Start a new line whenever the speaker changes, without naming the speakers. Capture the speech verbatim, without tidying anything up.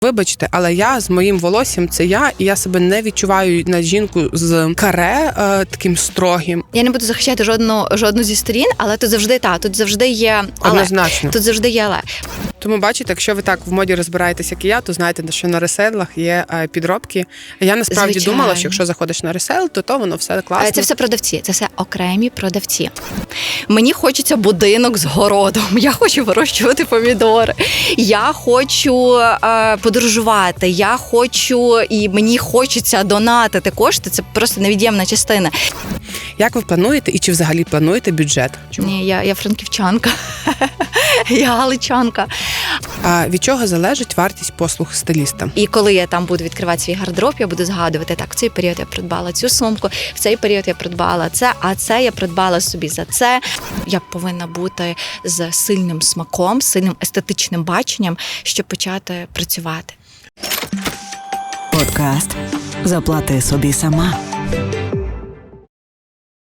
Вибачте, але я з моїм волоссям це я, і я себе не відчуваю на жінку з каре е, таким строгим.
Я не буду захищати жодну, жодну зі сторін, але тут завжди та, тут завжди є але.
Однозначно.
Тут завжди є але.
Тому, бачите, якщо ви так в моді розбираєтесь, як і я, то знаєте, що на реселах є е, підробки. Я насправді
Звичайно.
думала, що якщо заходиш на ресел, то то воно все класно.
Це все продавці, це все окремі продавці. Мені хочеться будинок з городом, я хочу вирощувати помідори, я хочу е, подорожувати, я хочу і мені хочеться донатити кошти, це просто невід'ємна частина.
Як ви плануєте і чи взагалі плануєте бюджет?
Ні, я, я франківчанка, я галичанка.
А від чого залежить вартість послуг стиліста?
І коли я там буду відкривати свій гардероб, я буду згадувати, так, в цей період я придбала цю сумку, в цей період я придбала це, а це я придбала собі за це. Я повинна бути з сильним смаком, сильним естетичним баченням, щоб почати працювати.
Подкаст «Заплати собі сама».